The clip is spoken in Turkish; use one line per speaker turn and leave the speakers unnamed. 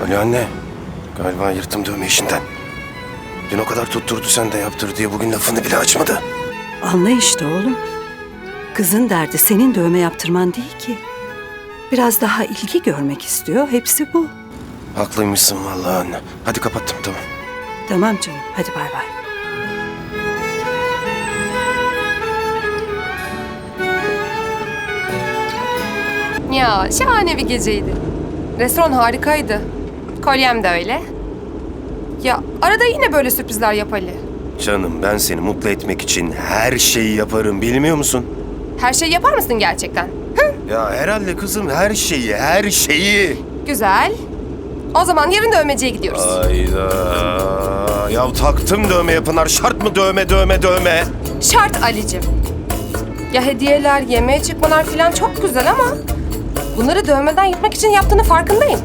Ali anne, galiba yırttım dövme işinden. Dün o kadar tutturdu sen de yaptır diye bugün lafını bile açmadı.
Anla işte oğlum. Kızın derdi senin dövme yaptırman değil ki. Biraz daha ilgi görmek istiyor. Hepsi bu.
Haklıymışsın vallahi anne. Hadi kapattım, tamam.
Tamam canım. Hadi bay bay.
Ya şahane bir geceydi. Restoran harikaydı. Kolyem de öyle. Ya arada yine böyle sürprizler yap Ali.
Canım, ben seni mutlu etmek için her şeyi yaparım, bilmiyor musun?
Her şeyi yapar mısın gerçekten?
Ya herhalde kızım, her şeyi, her şeyi.
Güzel. O zaman yarın dövmeciye gidiyoruz.
Hayda. Ya taktım dövmeye Pınar, şart mı dövme?
Şart Ali'cim. Ya hediyeler, yemeğe çıkmalar falan çok güzel ama... bunları dövmeden yırtmak için yaptığını farkındayım.